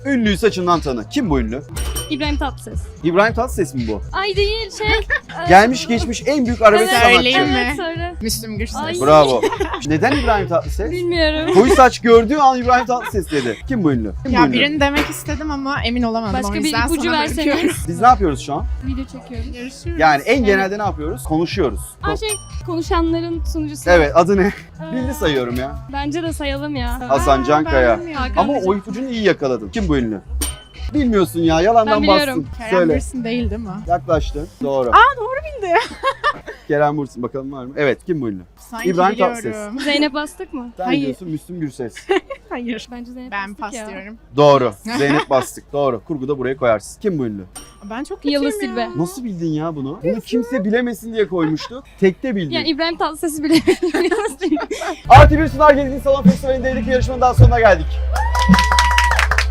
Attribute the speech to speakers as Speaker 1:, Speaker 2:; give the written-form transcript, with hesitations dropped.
Speaker 1: Ünlüyü saçından tanı. Kim bu ünlü?
Speaker 2: İbrahim Tatlıses.
Speaker 1: İbrahim Tatlıses mi bu?
Speaker 2: Ay değil
Speaker 1: Gelmiş geçmiş en büyük arabesk
Speaker 2: Evet,
Speaker 1: sanatçı.
Speaker 3: söyleyeyim mi?
Speaker 2: Evet söyle.
Speaker 3: Müslüm Gürses.
Speaker 2: Ay.
Speaker 1: Bravo. Neden İbrahim Tatlıses?
Speaker 2: Bilmiyorum.
Speaker 1: Koyu saç gördüğü an İbrahim Tatlıses dedi. Kim bu ünlü? Kim bu
Speaker 3: Ya
Speaker 1: ünlü?
Speaker 3: birini demek istedim ama emin olamadım.
Speaker 2: Başka
Speaker 3: o
Speaker 2: bir
Speaker 3: yüzden
Speaker 2: ipucu
Speaker 3: sana
Speaker 2: verseniz.
Speaker 3: bırakıyorum.
Speaker 1: Biz ne yapıyoruz şu an?
Speaker 2: Video çekiyoruz.
Speaker 3: Görüşürüz.
Speaker 1: Yani en genelde ne yapıyoruz? Konuşuyoruz.
Speaker 2: Konuşanların sunucusu.
Speaker 1: Evet, adı ne?
Speaker 2: Aa,
Speaker 1: Bildi sayıyorum ya.
Speaker 2: Bence de sayalım ya.
Speaker 1: Hasan Can Kaya.
Speaker 3: Ben bilmiyorum.
Speaker 2: Hakan
Speaker 1: Ama
Speaker 2: Bey.
Speaker 1: o ipucunu iyi yakaladın. Kim bu ünlü? Bilmiyorsun ya, yalandan
Speaker 2: Ben biliyorum.
Speaker 1: bastın.
Speaker 3: Kerem
Speaker 1: Söyle.
Speaker 3: Bürsin değil mi?
Speaker 1: Yaklaştın. Doğru.
Speaker 3: Doğru bildi.
Speaker 1: Kerem Bürsin, bakalım var mı? Evet, kim bu ünlü?
Speaker 3: Sanki
Speaker 1: İbrahim
Speaker 3: biliyorum.
Speaker 1: Tatlıses.
Speaker 2: Zeynep bastık mı?
Speaker 1: Sen
Speaker 3: Hayır.
Speaker 1: diyorsun Müslüm Gürses.
Speaker 3: Hayır.
Speaker 2: Bence Zeynep
Speaker 3: Ben
Speaker 2: bastık
Speaker 3: pas
Speaker 2: ya.
Speaker 3: diyorum.
Speaker 1: Doğru. Zeynep bastık. Doğru. Kurguda buraya koyarsın. Kim bu ünlü?
Speaker 3: Ben çok kötüyüm
Speaker 2: Yıldız
Speaker 3: ya.
Speaker 2: Tilbe.
Speaker 1: Nasıl bildin ya bunu? Bunu kimse bilemesin diye koymuştuk. Tekte bildin.
Speaker 2: Yani İbrahim Tatlıses'i bilemedim.
Speaker 1: Artı bir Sunar Gezgin Salon Festivali'ndeydik. Bir yarışmanın daha sonuna geldik.